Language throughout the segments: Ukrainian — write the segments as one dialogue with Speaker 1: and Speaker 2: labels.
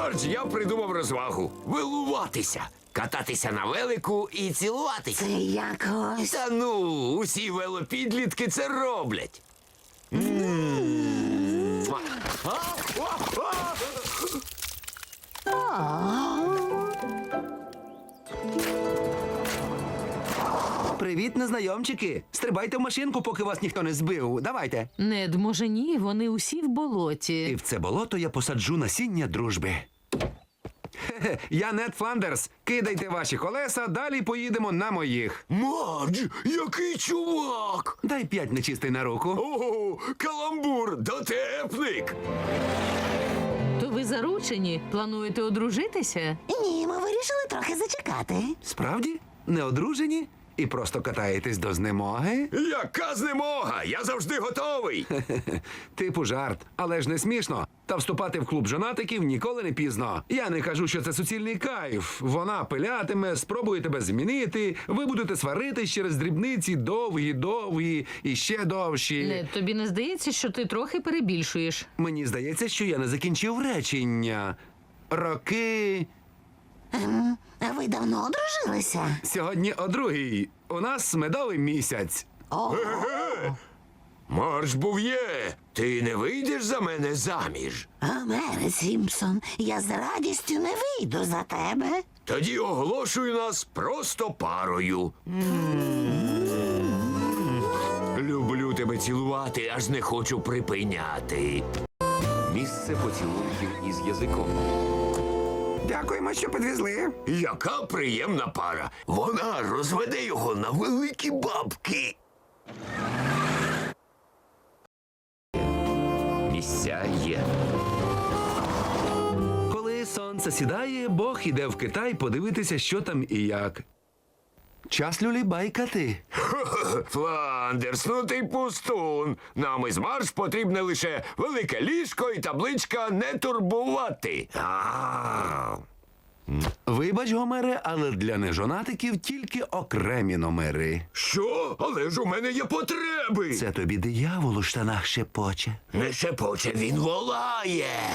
Speaker 1: Мардж, я придумав розвагу. Велуватися. Кататися на велику і цілуватися.
Speaker 2: Це якось.
Speaker 1: Та ну, усі велопідлітки це роблять.
Speaker 3: Привіт, незнайомчики. Стрибайте в машинку, поки вас ніхто не збив. Давайте.
Speaker 4: Нед, може ні, вони усі в
Speaker 3: І
Speaker 4: болоті.
Speaker 3: в це болото я посаджу насіння дружби. Хе-хе, я Нед Фландерс. Кидайте ваші колеса, далі поїдемо на моїх.
Speaker 1: Мардж, який чувак!
Speaker 3: Дай 5 нечистий на руку.
Speaker 1: Ого, каламбур, дотепник!
Speaker 4: То ви заручені? Плануєте одружитися?
Speaker 2: Ні, ми вирішили трохи зачекати.
Speaker 3: Справді? Не одружені? І просто катаєтесь до знемоги?
Speaker 1: Яка знемога! Я завжди готовий!
Speaker 3: Типу жарт, але ж не смішно. Та вступати в клуб жонатиків ніколи не пізно. Я не кажу, що це суцільний кайф. Вона пилятиме, спробує тебе змінити, ви будете сваритись через дрібниці довгі і ще довші.
Speaker 4: Нед, тобі не здається, що ти трохи перебільшуєш?
Speaker 3: Мені здається, що я не закінчив речення. Роки.
Speaker 2: А ви давно одружилися?
Speaker 3: Сьогодні о 2:00. У нас медовий місяць.
Speaker 2: Ого.
Speaker 1: Мардж Був'є, ти не вийдеш за мене заміж?
Speaker 2: Гомере Сімпсон, я з радістю не вийду за тебе.
Speaker 1: Тоді оголошую нас просто парою. Люблю тебе цілувати, аж не хочу припиняти.
Speaker 5: Місце поцілунків із язиком.
Speaker 3: Дякуємо, що підвезли.
Speaker 1: Яка приємна пара. Вона розведе його на великі бабки.
Speaker 5: Місця є.
Speaker 3: Коли сонце сідає, Бог іде в Китай подивитися, що там і як. Час люлібайкати.
Speaker 1: Фландерс, ну ти пустун. Нам із Мардж потрібне лише велике ліжко і табличка «Не турбувати».
Speaker 3: Вибач, Гомере, але для нежонатиків тільки окремі номери.
Speaker 1: Що? Але ж у мене є потреби.
Speaker 3: Це тобі диявол у штанах шепоче.
Speaker 1: Не шепоче, він волає.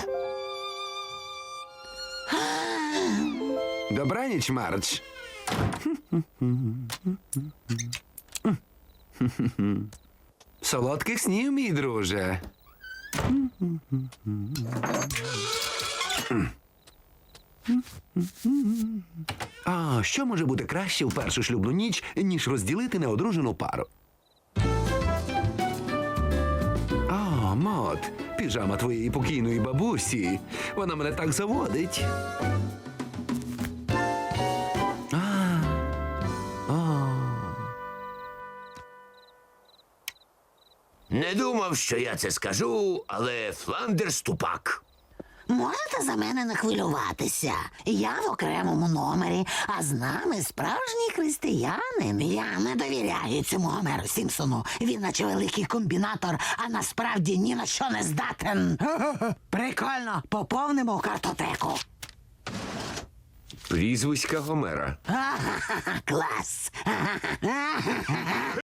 Speaker 3: Добраніч, Мардж. Солодких снів, мій друже. А що може бути краще в першу шлюбну ніч, ніж розділити неодружену пару? О, Мот, піжама твоєї покійної бабусі. Вона мене так заводить.
Speaker 1: Не думав, що я це скажу, але Фландерс тупак.
Speaker 2: Можете за мене не хвилюватися? Я в окремому номері, а з нами справжній християнин. Я не довіряю цьому Гомеру Сімпсону. Він наче великий комбінатор, а насправді ні на що не здатен. Прикольно, поповнимо картотеку.
Speaker 5: Прізвиська Гомера.
Speaker 2: Клас.